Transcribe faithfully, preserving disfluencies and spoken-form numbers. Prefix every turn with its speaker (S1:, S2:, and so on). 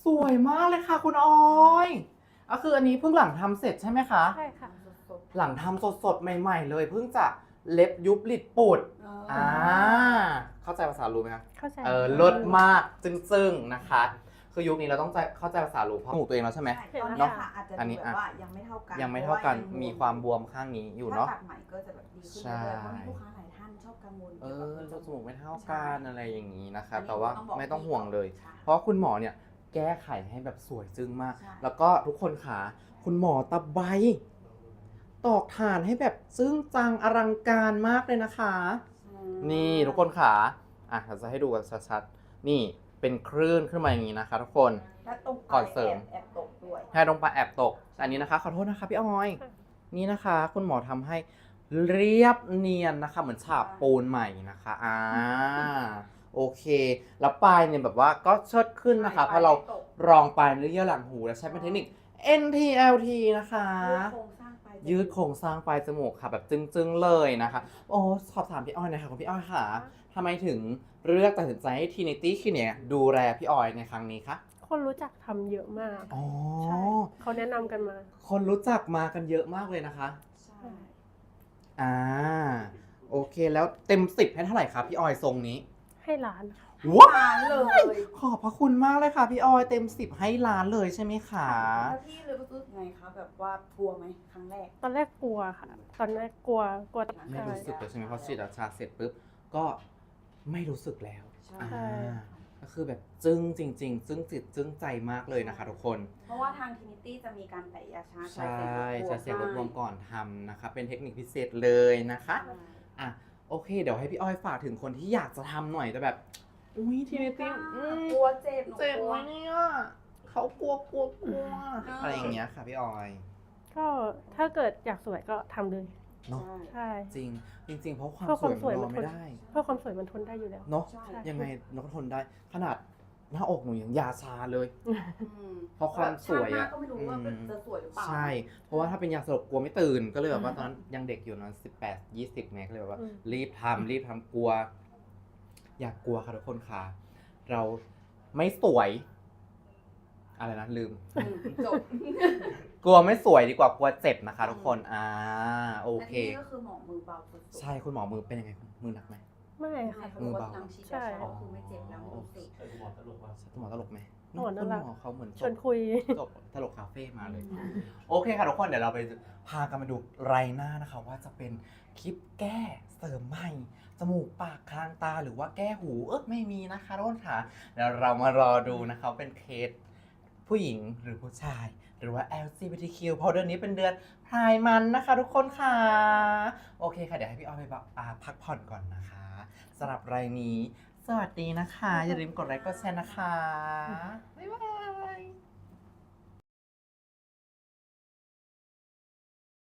S1: สวยมากเลยค่ะคุณออยก็คืออันนี้เพิ่งหลังทำเสร็จใช่ไหมคะ
S2: ใช่ค่ะ
S1: หลังทำสดๆใหม่ๆเลยเพิ่งจะเล็บยุบหลิดปุดอ่าเข้าใจภาษารู้ไหมคะ
S2: เข้าใจ
S1: เออเลิศมากจึ้งๆนะคะคือยุคนี้เราต้องใจเข้าใจภาษารู้เพราะจมูกตัวเองแล้วใช่ไหม
S3: ตอนนี้
S1: เนาะ
S3: ค่ะอาจจะ
S1: อัน
S3: ดู
S1: นี้
S3: แบบ
S1: อ่ะ
S3: ว่ายังไม่เท่ากัน
S1: ยังไม่เท่ากัน
S3: พระ
S1: มีความบวมข้างนี้อยู่
S3: ถ้า
S1: เนาะ
S3: ตัดใหม่ก็จะแบบดีขึ้น
S1: ใช่
S3: เรื่อยๆเพราะมีลูกค้าหลายท่านชอบกังวล
S1: เอ
S3: เกี่ยว
S1: อ
S3: กับ
S1: จมูกไม่เท่ากันอะไรอย่างนี้นะคะ แต่ว่า
S3: อันนี้
S1: ไม่ต้องห่วงเลย
S3: ใช่
S1: เพราะคุณหมอเนี่ยแก้ไขให้แบบสวยจึ้งมาก
S3: ใช่
S1: แล้วก็ทุกคนขาคุณหมอตะไบตอกฐานให้แบบซึ้งจังอลังการมากเลยนะคะ
S3: อืม
S1: นี่ทุกคนขาอ่ะเราจะให้ดูกันชัดๆนี่เป็นคลื่นขึ้นมาอย่างนี้นะคะ ทุกคน
S3: และตรงป
S1: ก่
S3: ลา
S1: อย นเสริม
S3: แอบแอบตกด้วย
S1: ให้ตรงปลายแอบตกแต่อันนี้นะคะขอโทษนะคะพี่ออย นี่นะคะ คุณหมอทำให้เรียบเนียนนะคะ เหมือนฉาบปูนใหม่นะคะอ่าโอเค แล้วปลายเนี่ยแบบว่าก็เชิดขึ้นนะคะ
S3: ใช่
S1: เพราะเรา
S3: ปลายตก
S1: รองปลายเนื้อเยื่อหลังหูแล้วใช้เป็นเทคนิค เอ็น ที แอล ที นะคะ
S3: ยืดโครงสร้างปลายจมูก
S1: ยืดโครงสร้างปลายจมูกค่ะแบบจึ้งๆเลยนะคะ โอ้สอบถามพี่ออยหนะคะคุณพี่ออยค่ะทำไมถึงเลือกตัดสินใจให้ Trinity Clinic ดูแลพี่ออยในครั้งนี้คะ
S2: คนรู้จักทำเยอะมาก
S1: อ๋อ
S2: ใช่เขาแนะนำกันมา
S1: คนรู้จักมากันเยอะมากเลยนะคะ
S3: ใช่
S1: อ่าโอเคแล้วเต็มสิบให้เท่าไหร่ครับพี่ออยทรงนี้
S2: ให้ร้านค่ะ
S1: ว้า
S3: ล้านเลย
S1: ขอบพระคุณมากเลยค่ะพี่ออยเต็มสิบให้ล้านเลยใช่ไหมคะ
S3: แล้วพี่เลยรู้สึกไงคะแบบว่ากลัวไหมครั้งแรก
S2: ตอนแรกกลัวค่ะ ตอนแรกกลัวกลัว
S1: ไม่
S2: ใช่
S1: รู้สึกเลยใช่ไหมเพราะฉีดยาเสร็จปุ๊บก็ไม่รู้สึกแล้ว
S3: ใช่
S1: อ่าก็คือแบบจึ้งจริง ๆ จึ้งจิตจึ้งใจมากเลยนะคะทุกคน
S3: เพราะว่าทางทินิตี้จะมีการแตะยาชา
S1: ใช่
S3: ใช้
S1: จะ
S3: เสี
S1: เสี
S3: ย
S1: ย
S3: ง
S1: ง
S3: ร
S1: ร
S3: บบ ก
S1: ก
S3: ว
S1: วน น
S3: ก่
S1: ก่
S3: อ
S1: อน นทำนะคะเป็นเทคนิคพิเศษเลยนะคะ
S3: ใช่
S1: อ่ะโอเค เดี๋ยวให้พี่อ้อยฝากถึงคนที่อยากจะทำหน่อยแต่แบบ อุ้ยทีนี้ติ
S3: กลัวเจ็บหนู
S1: เจ็บ
S3: กลั
S1: ไห
S3: ว
S1: มเนี่ยเขากลัวกลัวกลัว
S3: เอออ
S1: อะไรอย่างเงี้ยค่ะพี่ออย
S2: ก็ถ้าเกิดอยากสวยก็ทำเลย
S1: เนาะ
S2: ใช่
S1: จริงจริง ๆ เพราะความ
S2: เพราะ
S1: ส
S2: ความ
S1: วย
S2: สวย
S1: มันร
S2: มั
S1: อน
S2: ทน
S1: ไม่ได้
S2: เพื่อความสวยมันทนได้อยู่แล้ว
S1: เนาะ
S3: ใช่
S1: ยังไงนกทนได้ ขนาดหน้าอกหนูยังยาชาเลย
S3: อืม
S1: เพราะความสวย
S3: ชาติหน้า
S1: อะ
S3: ก็ไม่รู้ว่า
S1: อืม
S3: จะสวยหรือเปล่า
S1: ใช่ เพราะว่าถ้าเป็นยาสลบกลัวไม่ตื่น ก็เลยแบบว่าตอนนั้นยังเด็กอยู่นะสิบแปดยี่สิบไงก็เลยแบบว่า
S2: อืม
S1: รีบทำรีบทำกลัว อยากกลัวค่ะทุกคนค่ะ เราไม่สวย อะไรนะลืม
S3: อืมจบ
S1: กลัวไม่สวยดีกว่ากลัวเจ็บนะคะ ทุกคนอ่าโอเค
S3: และนี่ก็คือหมอมือเบาสุดๆ
S1: ใช่คุณหมอมือเป็นยังไงมือหนักไหม
S2: ไม่
S3: ใช่
S2: ค่ะ
S3: เขาบอกว่าน้ำฉีด
S2: ใช่
S3: ยาชาก็คือไม่เจ็บแล้วรู้สึก
S4: แต่คุณหมอตลกว่า
S1: คุณหมอตลกไหม
S2: หมอน่ารัก
S1: คุณหมอเขาเหมือน
S2: ชวนคุย
S1: จบตลกคาเฟ่มาเลย โอเคค่ะทุกคนเดี๋ยวเราไปพากันมาดูไรหน้านะคะ ว่าจะเป็นคลิปแก้เสริมใหม่จมูกปากคางตาหรือว่าแก้หูเออไม่มีนะคะทุกคนค่ะเดี๋ยวเรามารอดูนะคะเป็นเคสผู้หญิงหรือผู้ชาย หรือว่า แอล จี บี ที คิว เพราะเดือนนี้เป็นเดือนพรายมันนะคะ ทุกคนค่ะ โอเคค่ะเดี๋ยวให้พี่อ้อยไปแบบอ่าพักผ่อนก่อนนะคะสำหรับรายนี้ สวัสดีนะคะ อย่าลืมกดไลค์กดแชร์นะคะ